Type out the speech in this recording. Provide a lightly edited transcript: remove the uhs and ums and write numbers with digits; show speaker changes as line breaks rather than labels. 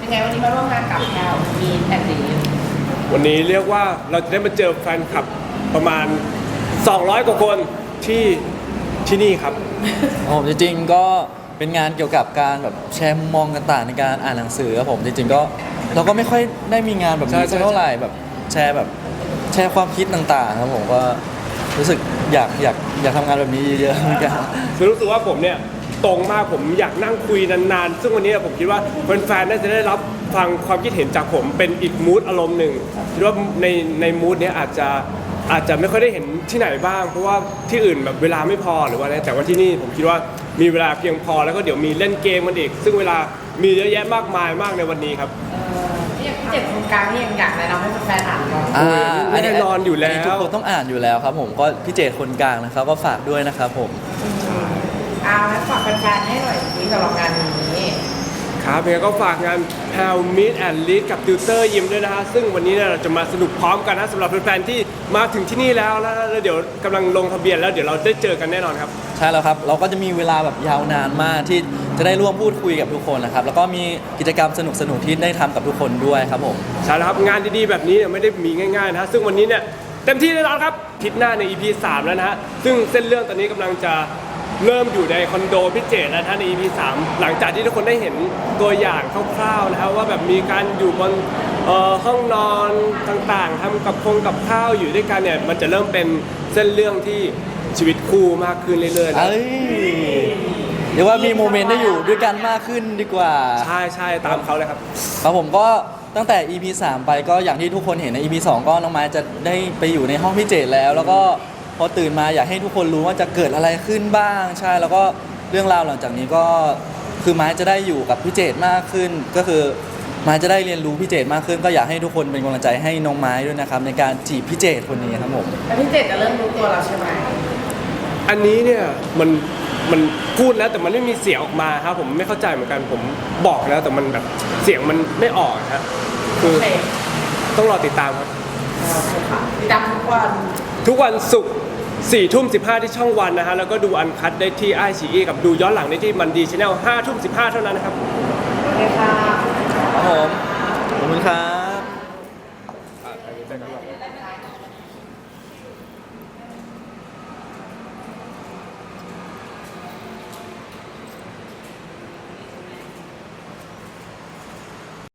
ไงวันนี้มาร่วมงานกับแพลวมีแอนดี้
วันนี้เรียกว่าเราจะได้มาเจอแฟนคลับประมาณ200กว่าคนที่นี่ครับ
ผมจริงๆก็เป็นงานเกี่ยวกับการแบบแชร์มุมมองต่างๆในการอ่านหนังสือครับผมจริงๆก็เราก็ไม่ค่อยได้มีงานแบบนี้สักเท่าไหร่แบบแชร์ความคิดต่างๆครับผมก็รู้สึกอยากทำงานแบบนี้เยอะๆเหมือนกัน
รู้สึกว่าผมเนี่ยตรงมากผมอยากนั่งคุยนานๆซึ่งวันนี้ผมคิดว่าแฟนๆน่าจะได้รับฟังความคิดเห็นจากผมเป็นอีกมูดอารมณ์หนึ่งคิดว่าในมูดนี้อาจจะไม่ค่อยได้เห็นที่ไหนบ้างเพราะว่าที่อื่นแบบเวลาไม่พอหรือว่าอะไรแต่ว่าที่นี่ผมคิดว่ามีเวลาเพียงพอแล้วก็เดี๋ยวมีเล่นเกมกันอีกซึ่งเวลามีเยอะแยะมากมายมากในวันนี้ครับ
อย่างพี่เจ็ดโครงการที่ยังอยากแนะนำให้แฟนๆอ่านก่อน
แน่นอนอยู่แล้ว
ทุกคนต้องอ่านอยู่แล้วครับผมก็พี่เจตคนกลางนะครับก็ฝากด้วยนะครับผม
แล้วฝากแฟนๆให้หน่อยที่สำหรับงานนี้
ครับยังไงก็ฝากงาน How Meet and Lead กับติวเตอร์ยิมด้วยนะฮะซึ่งวันนี้เราจะมาสนุกพร้อมกันนะสำหรับแฟนๆที่มาถึงที่นี่แล้วเดี๋ยวกำลังลงทะเบียนแล้วเดี๋ยวเราได้เจอกันแน่นอนครับ
ใช่แล้วครับเราก็จะมีเวลาแบบยาวนานมากที่จะได้ร่วมพูดคุยกับทุกคนนะครับแล้วก็มีกิจกรรมสนุกๆที่ได้ทำกับทุกคนด้วยครับผม
ใช่แล้วครับงานดีๆแบบนี้ไม่ได้มีง่ายๆนะฮะซึ่งวันนี้เนี่ยเต็มที่แน่นอนครับทิศหน้าใน EP 3แล้วนะฮะซึ่งเส้นเรื่องตอนนี้กำลังจะเริ่มอยู่ในคอนโดพิเจตแล้วท่านใน EP 3หลังจากที่ทุกคนได้เห็นตัวอย่างคร่าวๆนะครับว่าแบบมีการอยู่บนห้องนอนต่างๆทำกับข้าวอยู่ด้วยกันเนี่ยมันจะเริ่มเป็นเส้นเรื่องที่ชีวิตคู่มากขึ้นเรื่อย
ๆเดี๋ยวว่ามีโมเมนต์ได้อยู่ด้วยกันมากขึ้นดีกว่า
ใช่ตามเขาเลยครับ
ครับผมก็ตั้งแต่ EP 3ไปก็อย่างที่ทุกคนเห็นใน EP 2ก็น้องไม้จะได้ไปอยู่ในห้องพิเจตแล้วก็พอตื่นมาอยากให้ทุกคนรู้ว่าจะเกิดอะไรขึ้นบ้างใช่แล้วก็เรื่องราวหลังจากนี้ก็คือไม้จะได้อยู่กับพี่เจตมากขึ้นก็คือไม้จะได้เรียนรู้พี่เจตมากขึ้นก็อยากให้ทุกคนเป็นกำลังใจให้น้องไม้ด้วยนะครับในการจีบพี่เจตคนนี้ครับผม
แล้วพี่เจตจะเริ่มรู้ตัวแล้วใช่ไหม
อันนี้เนี่ยมันพูดแล้วแต่มันไม่มีเสียงออกมาครับผมไม่เข้าใจเหมือนกันผมบอกแล้วแต่มันแบบเสียงมันไม่ออกครับคือต้องรอติดตามครับ
ติดตาม
ทุกวันศุกร์4:15ที่ช่องวันนะฮะแล้วก็ดูอันคัทได้ที่ไอซีอีกับดูย้อนหลังได้ที่มันดีชาแนล5:15เท่านั้นนะครับ
โอเคค่ะ
ครับผมขอบคุณครับ